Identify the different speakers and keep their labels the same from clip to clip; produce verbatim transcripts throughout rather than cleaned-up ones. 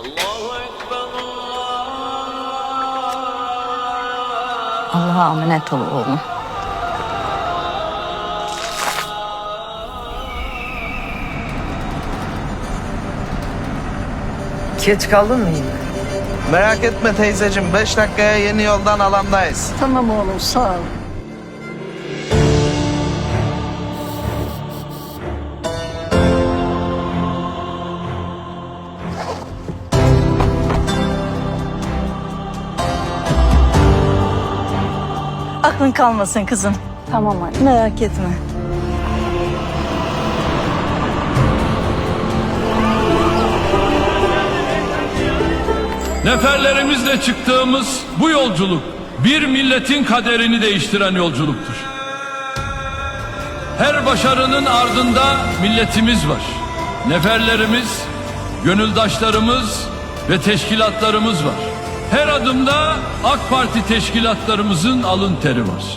Speaker 1: Allah'a emanet ol oğlum.
Speaker 2: Geç kaldın mı yine?
Speaker 3: Merak etme teyzeciğim, beş dakikaya yeni yoldan alandayız.
Speaker 1: Tamam oğlum, sağ ol. Aklın kalmasın kızım. Tamam anne. Merak etme.
Speaker 4: Neferlerimizle çıktığımız bu yolculuk bir milletin kaderini değiştiren yolculuktur. Her başarının ardında milletimiz var. Neferlerimiz, gönüldaşlarımız ve teşkilatlarımız var. Her adımda AK Parti teşkilatlarımızın alın teri var.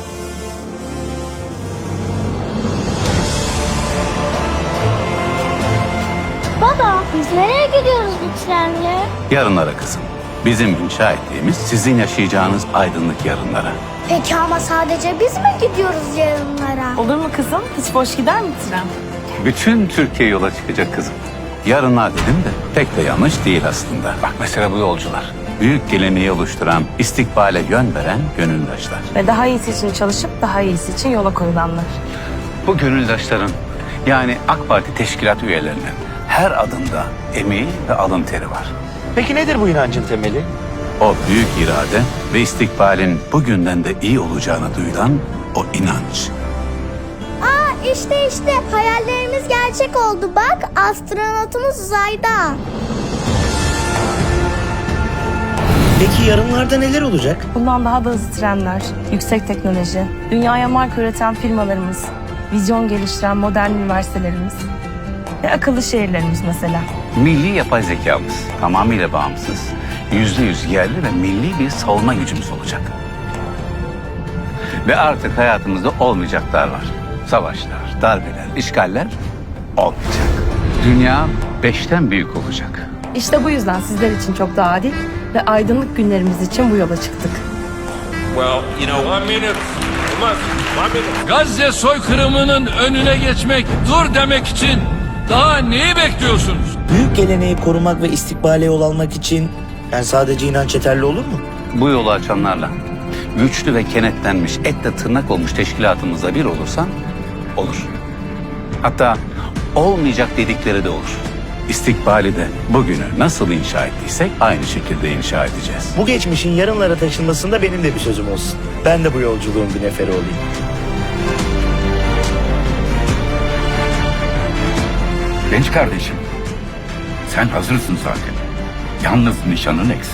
Speaker 5: Baba, biz nereye gidiyoruz bu trenle?
Speaker 6: Yarınlara kızım. Bizim inşa ettiğimiz sizin yaşayacağınız aydınlık yarınlara.
Speaker 5: Peki ama sadece biz mi gidiyoruz yarınlara?
Speaker 1: Olur mu kızım? Hiç boş gider mi tren?
Speaker 6: Bütün Türkiye yola çıkacak kızım. Yarınlar dedim de pek de yanlış değil aslında. Bak mesela bu yolcular. Büyük geleneği oluşturan, istikbale yön veren gönüldaşlar.
Speaker 7: Ve daha iyisi için çalışıp daha iyisi için yola koyulanlar.
Speaker 6: Bu gönüldaşların yani AK Parti teşkilat üyelerinin her adımda emeği ve alın teri var.
Speaker 2: Peki nedir bu inancın temeli?
Speaker 6: O büyük irade ve istikbalin bugünden de iyi olacağına duyulan o inanç.
Speaker 5: Aa işte işte hayallerimiz gerçek oldu bak astronotumuz uzayda.
Speaker 2: Peki yarınlarda neler olacak?
Speaker 7: Bundan daha da hızlı trenler, yüksek teknoloji, dünyaya marka üreten firmalarımız, vizyon geliştiren modern üniversitelerimiz ve akıllı şehirlerimiz mesela.
Speaker 6: Milli yapay zekamız tamamıyla bağımsız, yüzde yüz yerli ve milli bir savunma gücümüz olacak. Ve artık hayatımızda olmayacaklar var. Savaşlar, darbeler, işgaller olmayacak. Dünya beşten büyük olacak.
Speaker 7: İşte bu yüzden sizler için çok daha adil ve aydınlık günlerimiz için bu yola çıktık.
Speaker 8: Well, you know, one minute. Come on, one minute.
Speaker 4: Gazze soykırımının önüne geçmek, dur demek için daha neyi bekliyorsunuz?
Speaker 2: Büyük geleneği korumak ve istikbale yol almak için yani sadece inanç yeterli olur mu?
Speaker 6: Bu yolu açanlarla güçlü ve kenetlenmiş, etle tırnak olmuş teşkilatımızla bir olursan olur. Hatta olmayacak dedikleri de olur. İstikbali de bugünü nasıl inşa ettiysek aynı şekilde inşa edeceğiz.
Speaker 2: Bu geçmişin yarınlara taşınmasında benim de bir sözüm olsun. Ben de bu yolculuğun bir neferi olayım.
Speaker 9: Genç kardeşim, sen hazırsın zaten. Yalnız nişanın eksik.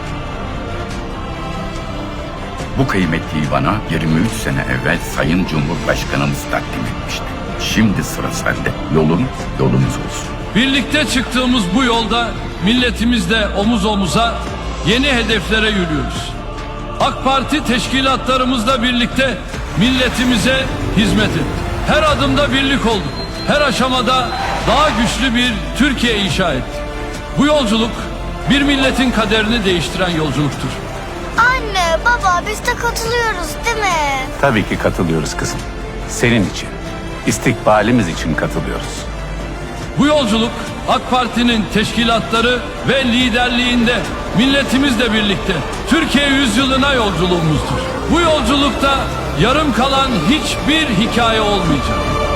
Speaker 9: Bu kıymetliyi bana yirmi üç sene evvel Sayın Cumhurbaşkanımız takdim etmişti. Şimdi sıra sende. Yolun yolumuz olsun.
Speaker 4: Birlikte çıktığımız bu yolda milletimizle omuz omuza yeni hedeflere yürüyoruz. AK Parti teşkilatlarımızla birlikte milletimize hizmet ettik. Her adımda birlik olduk. Her aşamada daha güçlü bir Türkiye inşa ettik. Bu yolculuk bir milletin kaderini değiştiren yolculuktur.
Speaker 5: Anne baba biz de katılıyoruz değil mi?
Speaker 6: Tabii ki katılıyoruz kızım. Senin için, istikbalimiz için katılıyoruz.
Speaker 4: Bu yolculuk AK Parti'nin teşkilatları ve liderliğinde milletimizle birlikte Türkiye yüzyılına yolculuğumuzdur. Bu yolculukta yarım kalan hiçbir hikaye olmayacak.